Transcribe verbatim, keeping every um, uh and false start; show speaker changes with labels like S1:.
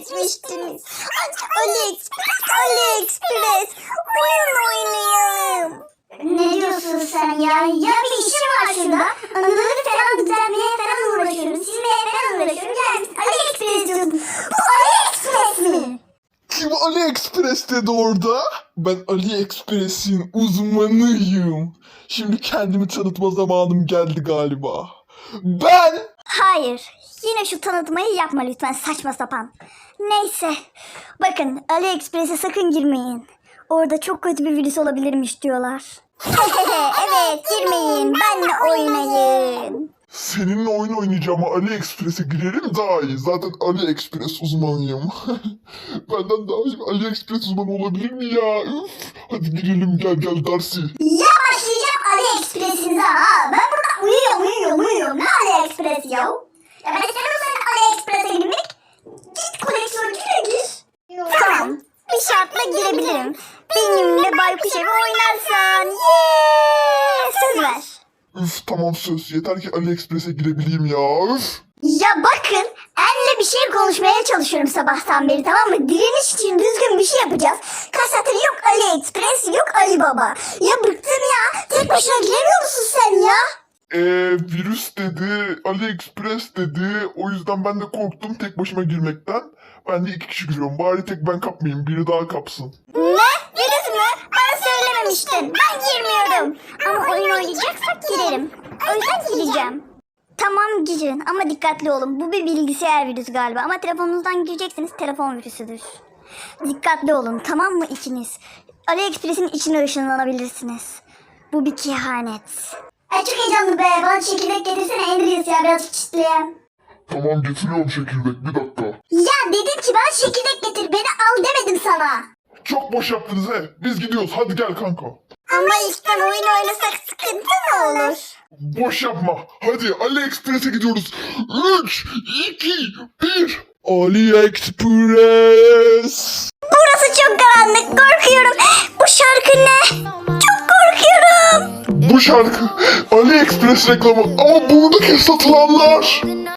S1: etmiştiniz. AliExpress, AliExpress. Oyun oynayalım.
S2: Ne diyorsun sen ya? Ya bir işim var şurada. Anıları falan düzenlemeye falan uğraşıyorum. Silmeye falan uğraşıyorum. Gelmişsin AliExpress diyorsun. Bu AliExpress mi?
S3: Kim AliExpress dedi orada? Ben AliExpress'in uzmanıyım. Şimdi kendimi tanıtma zamanım geldi galiba. Ben...
S1: Hayır. Yine şu tanıtmayı yapma lütfen, saçma sapan. Neyse. Bakın, AliExpress'e sakın girmeyin. Orada çok kötü bir virüs olabilirmiş diyorlar. Evet, girmeyin. Benle oynayın.
S3: Seninle oyun oynayacağıma AliExpress'e girerim daha iyi. Zaten AliExpress uzmanıyım. Benden daha iyi AliExpress uzmanı olabilir mi ya? Üf. Hadi girelim, gel gel Darcy.
S2: Ya başlayacağım AliExpress'inize ha. Ben burada uyuyorum uyuyorum uyuyorum. Ne AliExpress ya? Ya ben istemem senin AliExpress'e girmek. Git koleksiyoncuya gir.
S1: Tamam. Bir şartla girebilirim. Benimle Baykuş Evi oynarsan. Yeee. Söz ver.
S3: Üf tamam söz. Yeter ki AliExpress'e girebileyim ya. Üf.
S2: Ya bakın, En'le bir şey konuşmaya çalışıyorum sabahtan beri, tamam mı? Direniş için düzgün bir şey yapacağız. Kaç saattir yok AliExpress, yok Alibaba. Ya bıktım ya. Tek başına giremiyor musun sen ya?
S3: Eee virüs dedi, AliExpress dedi. O yüzden ben de korktum tek başıma girmekten. Ben de iki kişi giriyorum. Bari tek ben kapmayayım. Biri daha kapsın.
S1: Ne? Virüs mü? Bana söylememiştin. Ben girmiyorum. Ama oyun oynayacaksak girerim. O yüzden gireceğim. Tamam girin ama dikkatli olun. Bu bir bilgisayar virüsü galiba. Ama telefonunuzdan girecekseniz telefon virüsüdür. Dikkatli olun, tamam mı ikiniz? AliExpress'in içine ışınlanabilirsiniz. Bu bir kehanet.
S2: Ay çok heyecanlı be. Bana çekirdek getirsene Andreas ya, birazcık çitleyeyim.
S3: Tamam getiriyorum çekirdek, bir dakika.
S2: Ya dedim ki bana çekirdek getir, beni al demedim sana.
S3: Çok boş yaptınız he. Biz gidiyoruz, hadi gel kanka.
S1: Ama ilkten oyun oynasak sıkıntı mı olur?
S3: Boş yapma. Hadi AliExpress'e gidiyoruz. üç, iki, bir. AliExpress.
S1: Burası çok karanlık, korkuyorum. Bu şarkı ne? Çok korkuyorum.
S3: Bu şarkı AliExpress reklamı ama buradaki satılanlar.